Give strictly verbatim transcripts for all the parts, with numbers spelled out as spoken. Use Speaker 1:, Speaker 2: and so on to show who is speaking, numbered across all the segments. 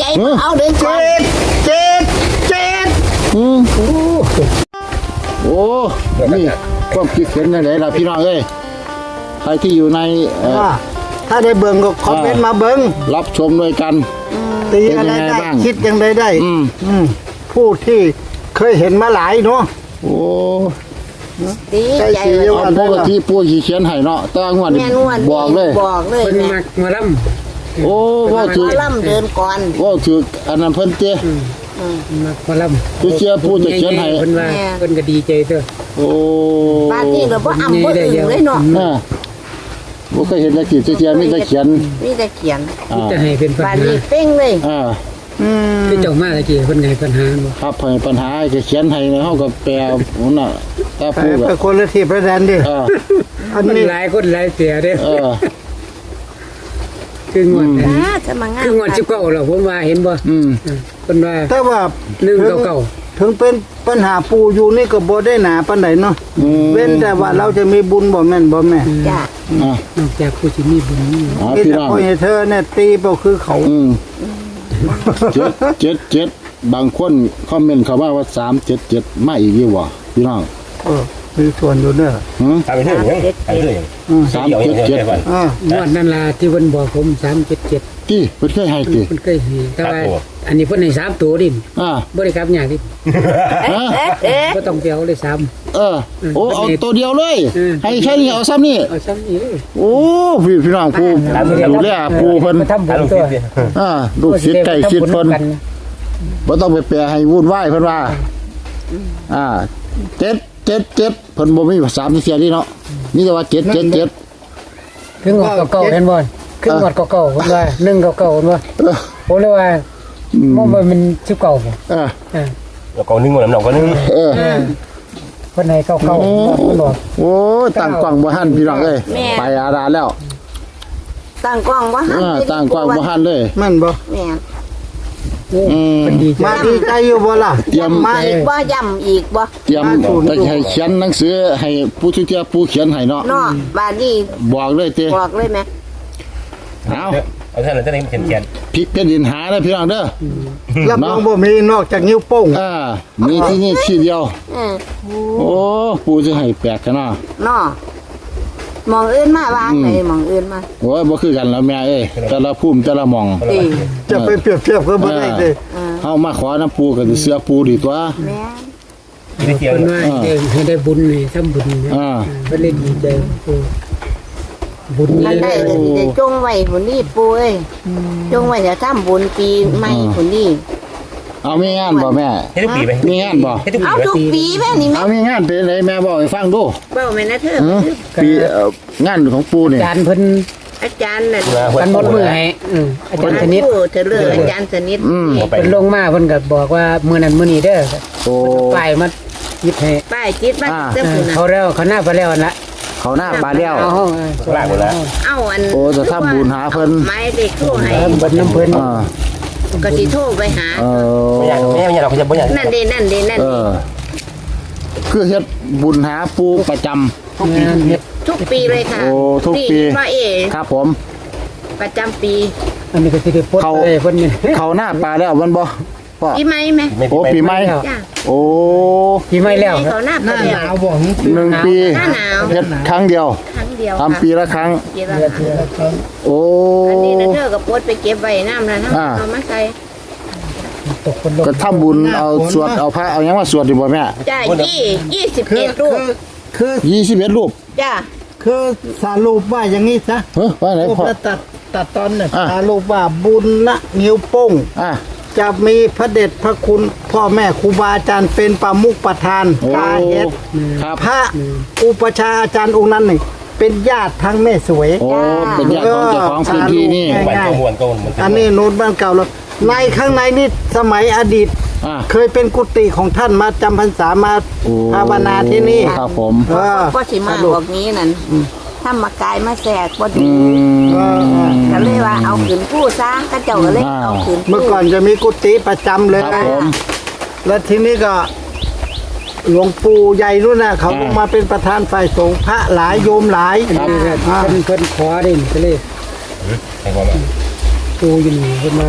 Speaker 1: ใจเอาเดินก่อน
Speaker 2: เจ็ดเจ็ด
Speaker 3: อืมโอ้โอ้นี่ความคิดเห็นยังไงล่ะพี่น้องเอ้ยใครที่อยู่ในเอ่อ
Speaker 2: ถ้าได้เบิ่งก็คอมเมนต์มาเบิ่ง
Speaker 3: รับชมด้วยกัน
Speaker 2: ตีอะไรได้คิดยังไงได้
Speaker 3: อืม
Speaker 2: อืมผู้ที่เคยเห็นมาหลายเนาะ
Speaker 3: โอ้
Speaker 1: ดีใจเลย
Speaker 3: เอาปกติปู่สิเขียนให้เนาะแต่ว่างวดนี้
Speaker 1: แม่นวล
Speaker 3: บอกเลย
Speaker 1: บอกเลย
Speaker 4: เพิ่น
Speaker 1: แม่
Speaker 4: มักหมาล่ำ
Speaker 3: โอ้ว่าถือ
Speaker 1: ล่ำเดินก่อน
Speaker 3: ว่าถืออันนั้นเพิ่นเจ้
Speaker 4: มักหมาล่ำ
Speaker 3: คือเชื่อผู้จะเขียนให้
Speaker 4: เพิ่นว่าเพิ่นก็ดีใจเด้อ
Speaker 3: โอ้
Speaker 1: บ้านนี้เราบ่อำบ่อึ่งเลยเนาะ
Speaker 3: อ่าบ่เคยเห็นนักขีดเทียนมีแต่เขียน
Speaker 1: มีแต่เขียน
Speaker 3: อ่า
Speaker 4: จะให้เป็นปัญ
Speaker 1: บ้าน
Speaker 4: หา
Speaker 1: นี้เป้งเลย
Speaker 3: อ่า
Speaker 2: อืม
Speaker 4: คือเจ้ามาตะกี้เพิ่นให้ปัญหาบ่
Speaker 3: ครับให้ปัญหาก็เขียนให้เฮาก็แปลนั่นน่ะแต่
Speaker 2: ไป
Speaker 3: ผู้ก็
Speaker 2: ไปคนละที่ประแดนดิ
Speaker 3: อ่า
Speaker 2: อัน
Speaker 4: มัน
Speaker 2: นี้
Speaker 4: หลายคนหลายเสียเด้อ
Speaker 3: เออ
Speaker 4: คืองวดนั้น
Speaker 1: อ่าจะมางาน
Speaker 4: คืองวดสิบเก้าแล้วผมว่าเห็นบ่
Speaker 3: อืม
Speaker 4: เพิ่นว่า
Speaker 2: แต่ว่า
Speaker 4: หนึ่งเก้า
Speaker 2: ถึงเป็นปัญหาปูอยู่นี่ก็บ่ได้หนาปานใดเนาะ
Speaker 3: อืม
Speaker 2: เว้นแต่ว่าเราจะมีบุญบ่แม่นบ่แม่
Speaker 1: จ้ะ
Speaker 3: อ่าน
Speaker 4: อกจากผู้สิมีบุญนี่
Speaker 3: อ๋อ
Speaker 2: มี
Speaker 3: พี่
Speaker 2: แต่
Speaker 3: น้อง
Speaker 2: พ่อให้เธอเนี่ยตีเปล่าคือเขา
Speaker 3: อืมเจ็ดเจ็ดเจ็ดบางคนคอมเมนต์เข้ามาว่าสามเจ็ดเจ็ดมาอีกอยู่บ่พี่น้อง
Speaker 2: เออมีส่วนอยู่เด้อ
Speaker 3: หือ
Speaker 5: ทำไปเรื่อยยังทำไปเรื่อยยัง
Speaker 3: สามเจ็ดเจ็ด
Speaker 2: อ่าง
Speaker 4: วดนั้นล่ะที่เพิ่นบอกผมสามเจ็ดเจ็ด
Speaker 3: ที่เพิ่นเคยให้ติ
Speaker 4: เพิ่นเคยให้แต่ว่าอันนี้เพิ่นให้สามตัวดิ
Speaker 3: อ่า
Speaker 4: บ่ได้กลับยากดิ
Speaker 3: ฮะ
Speaker 1: เอ๊ะเอ๊ะ
Speaker 4: บ่ต้องไปเอาเลยสาม
Speaker 3: เออ โอ้เอาตัวเดียวเลย
Speaker 4: อืม
Speaker 3: ให้แค่นี้เอาซ้ำนี่
Speaker 4: เอาซ้ำนี้เลย
Speaker 3: โอ้พี่พี่น้องผู้ดูแลผู้เพิ่น
Speaker 4: ไปทำบุ
Speaker 5: ทำ
Speaker 4: ญ
Speaker 5: ลูก
Speaker 4: ตั
Speaker 5: ศิ
Speaker 4: ว
Speaker 5: ษย์ดิ
Speaker 3: อ่าลูกศิษย์ใกล้ชิดเพิ่นบ่ต้องไปแปลให้วุ่นวายเพิ่นว่า อ่าเจ็ดเจ็ดเจ็ดเพิ่นบ่มีสามเสียนี่เนาะมีแต่ว่าเจ็ดเจ็ดเจ็ด
Speaker 4: คืองวดเก่าๆเห็นบ่คืองวดเก่าๆเพิ่นว่าหนึ่งเก่าๆเพิ่นว่า
Speaker 3: เออ
Speaker 4: ผมเลยว่า
Speaker 3: อืม
Speaker 4: มันมันสิบเก่าบ่
Speaker 3: เออ
Speaker 4: เออ
Speaker 5: เราก็นึ่งวันนั้นเราก็นึ่ง
Speaker 3: เออ
Speaker 4: เพิ่นให้เก่าๆเพิ่นบอก
Speaker 3: โอ้ตั้งกล้องบ่ทันพี่น้องเอ้ยไปอาดาแล้ว
Speaker 1: ตั้งกล้องว่า
Speaker 3: เออตั้งกล้องบ่ทันเลย
Speaker 2: แม่นบ่
Speaker 1: แม่
Speaker 4: โอ้
Speaker 3: อืม
Speaker 4: เพิ่นดีใจ
Speaker 2: มาดีใจอยู่บ่ล่ะ
Speaker 3: เตรียม
Speaker 2: มา
Speaker 1: อีกบ่ย่ำอีกบ่
Speaker 3: เตรียมไปให้เขียนหนังสือให้ผู้ที่เที่ยวผู้เขียนให้เนาะ
Speaker 1: เนาะบ้านนี้
Speaker 3: บอกเลยเต้
Speaker 1: บอกเลยแม่
Speaker 3: เอา
Speaker 5: เอาเท่านั้นเท่านี้เขียนเขียน
Speaker 3: พลิกเป็นดินหาเด้อพี่น้องเด้อ
Speaker 2: รับรองบ่มีนอกจากนิ้วโป้ง
Speaker 3: อ่ามีที่นี่ที่เดียว
Speaker 1: เออ
Speaker 3: โอ้ปู่จะให้แปลกกันเนาะ
Speaker 1: เนาะมองอื่นมาวางไหนมองอื่นมา
Speaker 3: โอ้ยบ่คือกันแล้วแม่เอ้ยแต่ละภูมิแต่ละหม่อง
Speaker 1: ตี
Speaker 2: จะไปเปรียบเทียบก็บ่ได้เลย
Speaker 3: เฮามาขอน้ำปูก็สิเสื้อปูดีตัว
Speaker 1: แม่
Speaker 5: ไม่เกี่ยว
Speaker 4: เพิ่นว่าให้ให้ได้บุญนี่ทำบุญนี่
Speaker 3: อ่า
Speaker 4: เพิ่นเลยดีใจโอ้บุญ
Speaker 1: อัน
Speaker 4: นี่
Speaker 1: ได้ก็สิได้จงไว้ผุนนี่ปูเอ้ยจงไว้จะทำบุญปีใหม่ผุนนี่
Speaker 3: เอามีงานบ่แม่
Speaker 5: ให้ทุกปีไหม
Speaker 3: มีงานบ่
Speaker 5: ให้ทุกปี
Speaker 1: เอา
Speaker 5: ไหม
Speaker 1: ทุกปีแม่นี่แม่
Speaker 3: เอามีงานเป็นไดแม่บอกให้ฟังดู
Speaker 1: เบ้าแม่นะเธอ
Speaker 3: หือปีเอ่องานของปูนี่
Speaker 4: อาจารย์เพิ่น
Speaker 1: อาจารย์น่ะ
Speaker 4: กันหมดมือให้อืมอาจารย์ชนิด
Speaker 1: เธอเลือกอาจารย์สนิท
Speaker 3: อืม
Speaker 4: เพิ่นลงมาเพิ่นก็บอกว่ามื้อนั้นมื้อนี้เด้อ
Speaker 3: โอ้
Speaker 4: ไปมายิบให้
Speaker 1: ป้ายจิตมา
Speaker 3: อ่า
Speaker 1: เจ้า
Speaker 4: เอ
Speaker 1: คุ
Speaker 4: อ
Speaker 1: ณน่ะ
Speaker 4: เขาแล้วเขาหน้าไปแล้วนั่นละ
Speaker 3: เขาหน้าบาดแล้ว
Speaker 4: เอาห้อง
Speaker 5: ลากหมดแล้ว
Speaker 1: เอาอัน
Speaker 3: โอ้จะทำบุญหาเพิ่น
Speaker 1: ไม้เด็กโทรให้
Speaker 4: เออเบิดน้ำเพิ่น
Speaker 3: อ่า
Speaker 1: ก็สิโทรไปหา
Speaker 3: เอ
Speaker 5: ไม่อยาก
Speaker 3: อ
Speaker 5: ไม่อยากเราจะไม่อยาก
Speaker 1: นั่นเด้นั่นเด้นั่น
Speaker 3: เออคือเฮ็ดบุญหาปูประจำ
Speaker 4: งานเฮ็ด
Speaker 1: ทุกปีเลยค่ะ
Speaker 3: โอ้ทุกปี
Speaker 1: นี่พ่อเอ
Speaker 3: ครับผม
Speaker 1: ประจำปี
Speaker 4: อันนี้ก็สิได้ปลด
Speaker 3: เขา
Speaker 4: เลยเพิ่นนี่
Speaker 3: เขาหน้าปลาแล้วมันบ่พ่อ
Speaker 1: ปีใหม่ไหม
Speaker 3: โอ้ปีใหม่
Speaker 1: จ้า
Speaker 3: โอ้
Speaker 4: ปีใหม่แล้ว
Speaker 1: เขาหน้า
Speaker 2: ห
Speaker 1: ไป
Speaker 2: น้าห
Speaker 1: แล้ว
Speaker 2: นาวบ่
Speaker 3: หนึ่งปี
Speaker 1: หน้าหนาว
Speaker 3: เฮ็ดครั้งเดียว
Speaker 1: ครั้งเดียว
Speaker 3: ทำปีละครั้ง
Speaker 1: ปีละครั้ง
Speaker 3: โอ้
Speaker 1: อันนี้นะเธอกับปดไปเก็บไว้น้ำนะทั้ง
Speaker 3: อ่า
Speaker 1: เอามาใส่
Speaker 4: ตกคนลง
Speaker 3: ก็ทำบุญเอาสวดเอาพระเอาหยังมาสวดดีบ่แม่
Speaker 1: จ้ายี่ยี่สิบ
Speaker 2: คือ
Speaker 1: เอ็ดรูป
Speaker 2: คือคือ
Speaker 3: ยี่สิบเอ็ดรูป
Speaker 1: จ้า
Speaker 2: คือสารุปว่าอย่างนี้ซะ
Speaker 3: เฮ้ยว่าไหน
Speaker 2: รูป
Speaker 3: พ่อ
Speaker 2: ละตัดตัดตอนเนี่ย
Speaker 3: อ่ะ
Speaker 2: สารุปว่าบุญละนิ้วโป้ง
Speaker 3: อ่ะ
Speaker 2: จะมีพระเดชพระคุณพ่อแม่ครูบาอาจารย์เป็นประมุขประธาน
Speaker 3: โอ้
Speaker 2: กาเฮ็ด
Speaker 3: ครับ
Speaker 2: พระอุปชฌาย์อาจารย์องค์นั้นนี่เป็นญาติทั้งแม่สวย
Speaker 3: โอ้เป็นญาติของเจ้าของพื้นที่นี่
Speaker 2: เออ
Speaker 5: วันก็มวนก็มวน
Speaker 2: อันนี้โน้ตบ้านเก่าแล้วในข้างในนี่สมัยอดีต
Speaker 3: อ่ะ
Speaker 2: เคยเป็นกุฏิของท่านมาจำพรรษามา
Speaker 3: โอ้
Speaker 2: ภาวนาที่นี่
Speaker 3: ครับผม
Speaker 2: เออ
Speaker 1: ก็สิมาบอกนี้นั่นถ้ามากายมาแสกพอ
Speaker 3: อื
Speaker 1: ดี
Speaker 3: ม
Speaker 1: ก็เลยว่าเอาขืนผู้ซะก็เจ้าก็เลย
Speaker 3: อ่า
Speaker 1: เอาขืน
Speaker 2: เมื่อก่อนจะมีกุฏิประจำเลย
Speaker 3: ครับผม
Speaker 2: แล้วทีนี้ก็หลวงปู่ใหญ่นู่นน่ะเขาลงมาเป็นประธานฝ่ายสงฆ์พระหลายโยมหลาย
Speaker 3: ครับ
Speaker 4: นี่ก็
Speaker 2: อ่า
Speaker 4: เพิ่นเพิ่นขอได้นี่ก็เลย
Speaker 5: ให้ความ
Speaker 4: ปูอยู่นี่เพิ่นมาขอ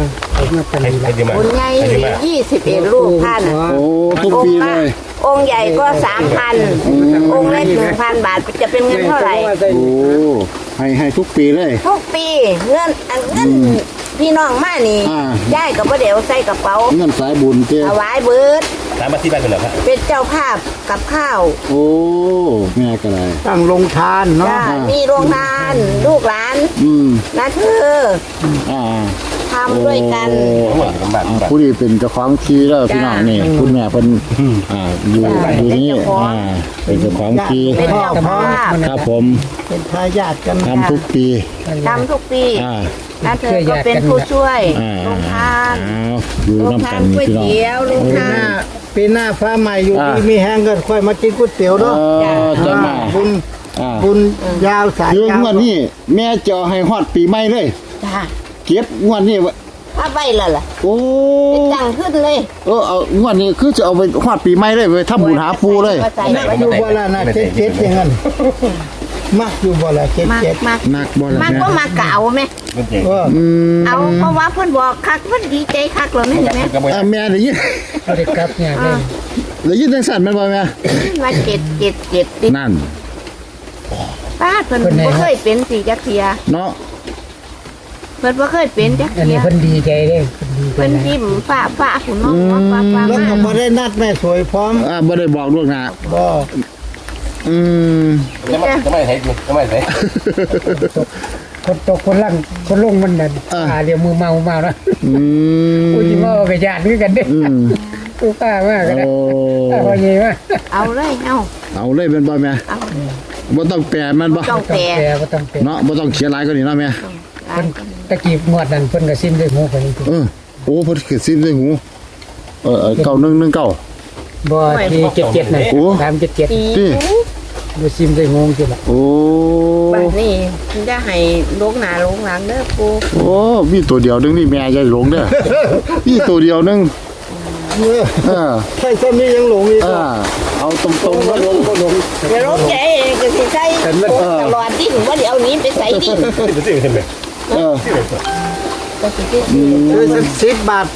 Speaker 4: ผมมาเป็น
Speaker 5: ให้
Speaker 4: นี่
Speaker 5: ให้
Speaker 4: ละ
Speaker 5: ดีมา
Speaker 1: บุญใหญ่
Speaker 5: ให้ดีมา
Speaker 1: ยี่สิบเอ็ดลูกท่านน่ะ
Speaker 3: โอ้ทุกปีเลย
Speaker 1: องค์ใหญ่ก็สามพันองค์เล็กหนึ่งพันบาทจะเป็นเงินเท่าไหร่
Speaker 3: โอ้ให้ให้ทุกปีเลย
Speaker 1: ทุกปีเงินอันเงินพี่น้องมานี่
Speaker 3: อ่า
Speaker 1: ย้ายกับพ่อเดี๋ยวใส่กระเป๋า
Speaker 3: เงินสายบุญเจ้
Speaker 1: ถวายเบิด
Speaker 5: ตามมาที่บ้านกันเหรอครับ
Speaker 1: เป็นเจ้าภาพกับข้าว
Speaker 3: โอ้แม่ก็ได้
Speaker 2: ตั้งลงทานเนาะ
Speaker 1: จ้ามีโรงทานลูกหลาน
Speaker 3: อืม
Speaker 1: นะเธอ
Speaker 3: อ่า
Speaker 1: ทำด้วยกัน
Speaker 5: ทั้งหมดกันบ้าน
Speaker 3: อ่า
Speaker 5: บ้าน
Speaker 3: ผู้ที่เป็นเจ้าของที่แล้วพี่น้องนี่คุณแม่เป็นอ่าอยู่
Speaker 1: จ้า
Speaker 3: อยู่นี่
Speaker 1: เป็นเจ้าของ
Speaker 3: อ่าเป็นเจ้าของที่
Speaker 1: เป็นเจ้าภาพ
Speaker 3: ครับผม
Speaker 2: เป็นทายาทกัน
Speaker 3: ทำทุกปี
Speaker 1: ทำทุกปี
Speaker 3: อ่า
Speaker 1: นะเธอก็เป็นผู้ช่วย
Speaker 3: อ่า
Speaker 1: โรงทาน
Speaker 3: อ้าวอยู่
Speaker 1: โรง
Speaker 3: น้ำ
Speaker 1: ทา
Speaker 3: กัน น
Speaker 1: ก๋วย
Speaker 3: พี่น้อง
Speaker 1: เตี๋ยวโรง
Speaker 2: ปีห
Speaker 1: ทา
Speaker 2: น้าน ปีหน้าฟ้าใหม่อยู่
Speaker 3: อ่า
Speaker 2: ดีมีแห้งก็ค่อยมากินก๋วยเตี๋ยว
Speaker 3: เอ
Speaker 2: เนาะ
Speaker 3: อจะมา
Speaker 2: บุญ
Speaker 3: อ่า
Speaker 2: บุญยาวสาย
Speaker 3: คือย
Speaker 2: าว
Speaker 3: งวดนี้แม่จะเอาให้ฮอดปีใหม่เลย
Speaker 1: จ้า
Speaker 3: เก็บงวดนี้ไว้
Speaker 1: ถ้าไปและล่ะ
Speaker 3: โอ้
Speaker 1: เป็นจังขึ้นเลย
Speaker 3: เออเอางวดนี้คือจะเอาไปฮอดปีใหม่เลยไปทำบุญหาปูเลย
Speaker 1: ใส่
Speaker 2: มักอยู่บ่ละนะเจ็ดเจ็ดอย่างนั้นมักอยู่บ่ละเจ็ด
Speaker 1: มาก
Speaker 2: เจ็ด
Speaker 1: มาก
Speaker 3: นักบ่ล่ะ
Speaker 1: มาก
Speaker 3: แม่
Speaker 1: ก็มากเก่าไหม
Speaker 5: เป็นจริง
Speaker 2: เออ
Speaker 3: อืม
Speaker 1: เอาเพราะว่าเพิ่นบอกคักเพิ่นดีใจคักเลยนี่เห็นไหม
Speaker 5: ก็ไม่
Speaker 3: อ่าแม่ได้ยิน
Speaker 4: เขาได้กลับเนี่ยเลย
Speaker 3: ได้ยินจังสั่นแม่นบ่แม่
Speaker 1: ว่าเจ็ดเจ็ดเจ็ดติด
Speaker 3: นั่น
Speaker 1: ป้าเพิ่นบ่เคยเป็นสีจักเทีย
Speaker 3: เนาะ
Speaker 1: เพิ่นบ่เคยเป็นจัก
Speaker 4: อัน
Speaker 1: เที
Speaker 4: นี้
Speaker 1: ย
Speaker 4: เพิ่นดีใจเลยเพิ่นดีใจ
Speaker 1: เพิ่น
Speaker 4: นะ
Speaker 1: ยิ้มฟ้าฟ้าหุ่นน้องฟ้าฟ้า
Speaker 2: แล้วก็
Speaker 1: มา
Speaker 2: บ่ได้นัดแม่สวยพร้อม
Speaker 3: อ่าบ่ได้บอกล่วงหน้า
Speaker 2: บ่
Speaker 3: อืม
Speaker 5: จะไม่จะไม่ใช่จะไม่ใช่
Speaker 4: คนตกคนล่างคนลงมันนั่นอ่าเรียวมือเมาเมานะ
Speaker 3: อืม
Speaker 4: กูจิเมากับญาติคือกันเด้
Speaker 3: อืม
Speaker 4: กูป้ามากกันนะ
Speaker 3: โอ้
Speaker 4: ป้าพอเยี่มาก
Speaker 1: เอาเลยเอา
Speaker 3: เอาเลยเป็นบ่แม่
Speaker 1: เอา
Speaker 3: บ่ต้องแปลมันบ่
Speaker 1: ต้อง
Speaker 4: ต้อง
Speaker 1: แปล
Speaker 4: แปลก็ต้องแปล
Speaker 3: เนาะบ่ต้องเขียนหลายกว่านี้เนาะแม่
Speaker 1: หลาย
Speaker 4: ตะกี้งวดนั้นเพิ่นก็ซิมด้วยหูเพิ่นจริง
Speaker 3: เออโอ้เพิ่นคือซิมด้วยหูเออเออเก้าหนึ่งหนึ่งเก้า
Speaker 4: บ่ที่เจ็ดเจ็ดน่ะ
Speaker 3: โอ้
Speaker 4: สามเจ็ดเจ็ด
Speaker 1: ปี
Speaker 3: ที่
Speaker 4: ดูซิมด้วยงูสิล่ะ
Speaker 3: โอ้
Speaker 1: บัดนี้จะให้ลงหน้าลงหลังเด้อปู
Speaker 3: โอ้มีตัวเดียวนึงนี่แม่ยายหลงเด้อมีตัวเดียวนึง
Speaker 2: เออ
Speaker 3: เออ
Speaker 2: ใช่ต้นนี้ยังหลงอีก
Speaker 3: เออเอาตรงๆว่าลงก็ลง
Speaker 1: อย่าลงใจก็สิใส่ตลอดดิ้นว่าเดี๋ยวนี้ไปใส่ดิ้น
Speaker 5: เป็นสิ่งที่เป็น
Speaker 3: เออ
Speaker 1: ก็สิที่
Speaker 2: ซื้อสักสิบบาทไป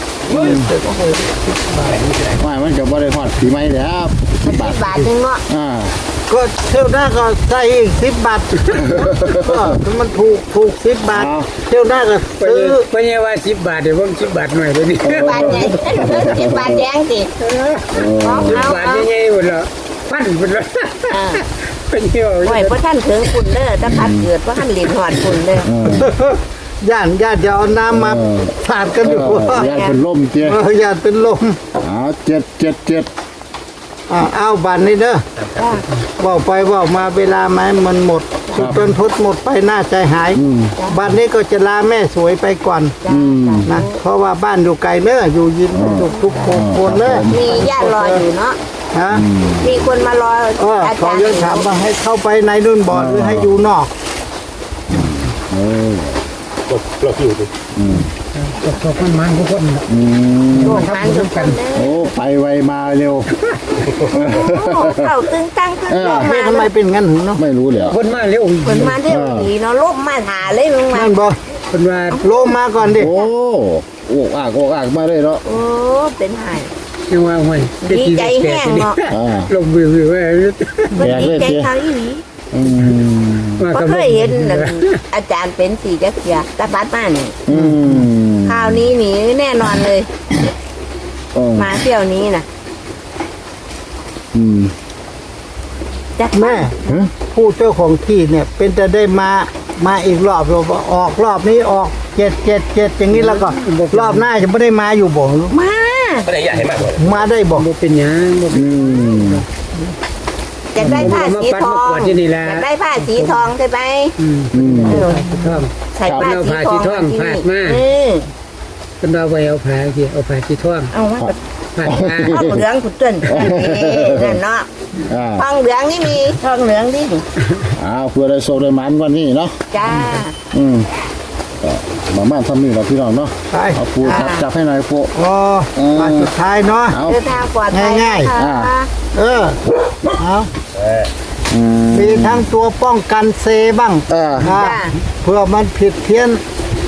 Speaker 3: ไม่มันก็บ่ได้ฮอดปีใหม่แล้วสิบบาท
Speaker 1: บาทนึงเนาะ
Speaker 3: อ่า
Speaker 2: ก็เที่ยวหน้าก็ใส่อีกสิบบาทเออถ้ามันถูกถูกสิบบาทเที่ยวหน้าก็
Speaker 4: เพิ่น
Speaker 2: ซื้อ
Speaker 4: เพิ่นเนี่ยว่าสิบบาทเดี๋ยวผมสิบบาทหน่อยเดี๋ยวนี้
Speaker 1: บาทใหญ่สิบบาทแดงสิของ
Speaker 4: สิบ
Speaker 1: เอา
Speaker 4: บาท
Speaker 1: เอา
Speaker 4: ใหญ่ๆหมดแล้วพันหมดแล้ว
Speaker 1: อ่า
Speaker 4: เป็นเที่ยว
Speaker 1: โอ้ยพระท่านถึงคุณเด้อถ้าพัดเกิดพระท่านหลีนหอดคุณเด้อ
Speaker 2: ย่านญาติจะเอาน้ำมาสาดกันอยู่
Speaker 3: เออยายเป็นลมเตี้ย
Speaker 2: เออญาติเป็นลม
Speaker 3: เอาเจ็ดเจ็ดเจ็ด
Speaker 2: อ่าเอาบันนี่เด้อว่าไปว่ามาเวลาไม้มันหมดจุดต้นทดหมดไปหน้าใจหายบันนี้ก็จะลาแม่สวยไปก่อน
Speaker 1: จ้าจ้า
Speaker 2: นะเพราะว่าบ้านอยู่ไกลเนอะอยู่ยินทุกทุกคนคนเนอะ
Speaker 1: มีญาติรออยู่เนาะ
Speaker 2: ฮะ
Speaker 1: มีคนมารอ
Speaker 2: เออ
Speaker 1: อา
Speaker 2: เขา
Speaker 1: จารย์
Speaker 2: ยังถามว่าให้เข้าไปในนู่นบ่อหรือให้อยู่นอก
Speaker 3: เออ
Speaker 5: เราคิวดิ
Speaker 4: ตกตกมันมันทุกคนน่ะ
Speaker 3: อืม
Speaker 1: โลกมันทุกคนเด้อ
Speaker 3: โอ้ไปไวมาเร็ว
Speaker 1: โอ้เข้าตึงตั้งตึงลม
Speaker 2: แม่
Speaker 1: มา
Speaker 2: ทำไมเป็นงั้นหึเนาะ
Speaker 3: ไม่รู้เลย
Speaker 4: คนมาเร็วอีก
Speaker 1: เพิ่นมาเที่ยวดีเนาะลมมาหาเลยมึงมา
Speaker 2: นั่นบ่
Speaker 4: คนว่า
Speaker 2: โลมาก่อนดิ
Speaker 3: โอ้โอ้อากโอ้อากมาเลยเนาะ
Speaker 1: โอ้เป็นไห้
Speaker 4: จังว่าห่วย
Speaker 1: ดีใจแห้งเนาะ
Speaker 3: อ่า
Speaker 4: ลมวิววิวไว้
Speaker 1: เพิ่นดีใจเขาอีหลี
Speaker 3: อืม
Speaker 4: มา
Speaker 1: บ่
Speaker 4: กับ
Speaker 1: เคยเห็นนั่นอาจารย์เป็นสีจักเสียตาปัดมานี่
Speaker 3: อืม
Speaker 1: คราวนี้หนีแน่นอนเลย
Speaker 3: อืม
Speaker 1: มาเที่ยวนี้น่ะ
Speaker 3: อืม
Speaker 1: จัก
Speaker 2: แม่ผู้เจ้าของที่เนี่ย เป็นจะได้มามาอีกรอบเราออกรอบนี้ออกเจ็ดเจ็ดเจ็ดอย่างนี้แล้วก็รอบหน้าจะไม่ได้มาอยู่บ่
Speaker 1: มา
Speaker 5: ก็ได้อยากให้มากกว่า
Speaker 2: มาได้บ่
Speaker 4: บ่เป็นหยังบ่เป็น
Speaker 3: อืม
Speaker 1: อยากได้ผ้าสีทอง
Speaker 4: มาปัดมากวาดที่นี่แหละ
Speaker 1: อยากได้ผ้าสีทองใช่ไหม
Speaker 4: อืม
Speaker 3: อืม
Speaker 1: เออ
Speaker 4: ท่อม
Speaker 1: ใส่ผ้า
Speaker 4: เอา
Speaker 1: สี
Speaker 4: ผ้า
Speaker 1: ท
Speaker 4: สี
Speaker 1: อง
Speaker 4: ทอง
Speaker 1: ที่
Speaker 4: พาด
Speaker 1: นี่
Speaker 4: มา
Speaker 1: เออ
Speaker 4: เป็นว่าไว้เอาผ้าที่เอาผ้าสีท่อง
Speaker 1: เอามา
Speaker 4: ผ้ามา
Speaker 1: ทองเหลืองขุดต้นนั่นเนาะ
Speaker 3: อ่า
Speaker 1: ทองเหลืองนี่มีทองเหลืองดิ
Speaker 3: อ้าวเพื่อได้โชคได้หมันวันนี้เนาะ
Speaker 1: จ้า
Speaker 3: อืมก็มาม่าทำนี่เราพี่น้องเนาะ
Speaker 2: ไป
Speaker 3: เอาปูจับจับให้หน่อยปู
Speaker 2: อ๋อมาสุดท้ายเนาะ
Speaker 3: เอา
Speaker 1: เดินทางปลอดภัย
Speaker 2: ง่ายๆ
Speaker 1: นะคะ
Speaker 3: อ่า
Speaker 2: เออเอา
Speaker 3: อืม
Speaker 2: มีทั้งตัวป้องกันเซบ้าง
Speaker 3: เออ
Speaker 2: อ่า
Speaker 1: จ้า
Speaker 2: เพื่อมันผิดเพี้ยน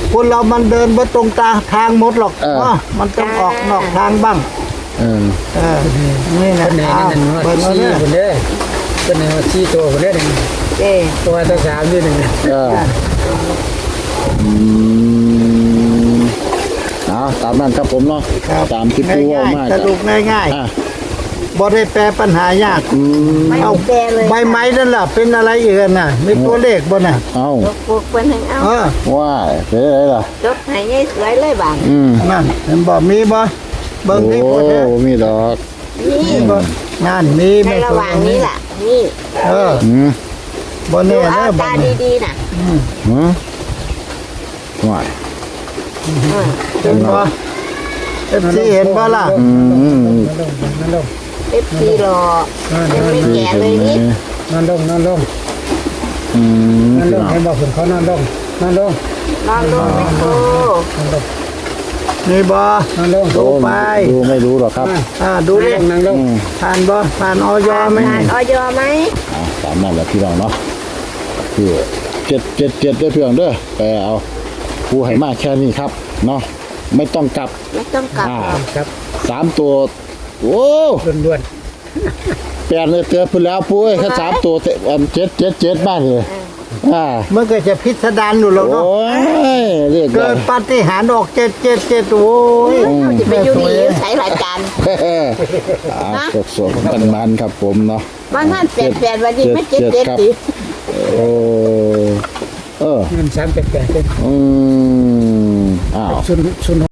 Speaker 2: คนเรามันเดินบ่ตรงตาทางหมดหรอก
Speaker 3: เออ
Speaker 2: เนาะมันต้องออกนอกทางบ้าง
Speaker 3: เออ
Speaker 2: เออนี่นะ
Speaker 4: คนไหน
Speaker 2: อ้าว
Speaker 4: นั่นว่า
Speaker 2: เบิ่งเอา
Speaker 4: ชี้
Speaker 2: เด้อ
Speaker 4: คนเด้อคนไหนว่าชี้ตัวคนเด้อหนึ่ง
Speaker 1: เจ้
Speaker 4: ตัวตัวสามด้วยหนึ่ง
Speaker 3: เอออืมเอาตามนั้นครับผมเนาะ
Speaker 2: ครับ
Speaker 3: ตามที่ปูว่ามา
Speaker 2: ง่ายๆสรุปง่าย
Speaker 3: อ่ะ
Speaker 2: ๆบ่ได้แปลปัญหายาก
Speaker 3: อืม
Speaker 1: ไม่
Speaker 2: เอา
Speaker 1: แปลเลย
Speaker 2: ใบไม้นั่นล่ะเป็นอะไรอีกอะน่ะมีตัวเลขบ่น่ะ
Speaker 3: เอา
Speaker 1: ยกพวกเพิ่นให้เอา
Speaker 2: เออ
Speaker 3: ว่าเป็นอะไรล่ะ
Speaker 1: ยกให้ยายสวยเลยบาด
Speaker 3: อืม
Speaker 2: นั่นเห็นบ่มีบ่เบิ่งนี่
Speaker 3: โอ้
Speaker 2: บ่เด้อ
Speaker 3: มีดอก
Speaker 1: นี่
Speaker 2: มีบ่นั่นมี
Speaker 1: ใน
Speaker 2: แม่
Speaker 1: ระหว่างนี้ล่ะ นี่
Speaker 2: เออ
Speaker 3: อืม
Speaker 2: บ่
Speaker 1: ดู
Speaker 2: แน่
Speaker 1: เอา
Speaker 2: เด้อบ่
Speaker 1: ตา
Speaker 2: นี่
Speaker 1: ดีๆน่ะ
Speaker 3: หืมว่า
Speaker 1: เออ
Speaker 2: เห็นบ่เอฟซีเห็นบ่ล่ะ
Speaker 3: อืม
Speaker 4: นอนลงนอนลง
Speaker 1: เอฟซีรอยังไม่แก่เลยนี่
Speaker 4: นอนลงนอนลง
Speaker 3: อืม
Speaker 4: นอนลงให้บอกคนเขานอนลงนอนลง
Speaker 1: นอนลงไม่โต
Speaker 4: นอนลง
Speaker 2: นี่บ่
Speaker 4: นอนลง
Speaker 2: ดูไป
Speaker 3: ดูไม่รู้หรอกครับ
Speaker 2: อ่าดู
Speaker 4: ดู
Speaker 2: เล
Speaker 4: เรื่
Speaker 2: ข
Speaker 4: องนั่งลง
Speaker 3: อืม
Speaker 2: ผ่านบ่ผ่านออยไหม
Speaker 1: ผ่านออยไหม
Speaker 3: อ่าตามนั้นแหละพี่น้องเนาะคือเจ็ดเจ็ดเจ็ดได้อพี่น้องเด้อไปเอาผู้ให้มาแค่นี้ครับเนาะไม่ต้องกลับ
Speaker 1: ไม่ต้องกลับ
Speaker 3: อ่า
Speaker 1: หรอก
Speaker 4: ครับ
Speaker 3: สามตัว โอ้
Speaker 4: ด่วน
Speaker 3: แปดเลยเตือนพุ่นแล้วปุ้ยแค่สามตัวเตะอันเจ็ดเจ็ดเจ็ดบ้านเลยอ่า
Speaker 2: มันก็จะพิสดารอยู่แล้ว
Speaker 3: โอ้
Speaker 2: เนาะ
Speaker 3: ยเรียก
Speaker 2: เกิ
Speaker 3: ได้
Speaker 2: ดปาฏิหาริย์ออกเจ็ดเจ็ดเจ็ดโอ้ย
Speaker 1: เขาจะไปอยู่นี่ใช้รายการ
Speaker 3: อ่าสดสดมันมันๆครับผมเนาะ
Speaker 1: บางท่านแปดแปดวันนี้ไม่เจ็ดเจ็ดสิ
Speaker 3: โอ้เออ
Speaker 4: เงินสามแปดแปด
Speaker 3: อืมอ้าว
Speaker 4: ศูนย์ศูนย์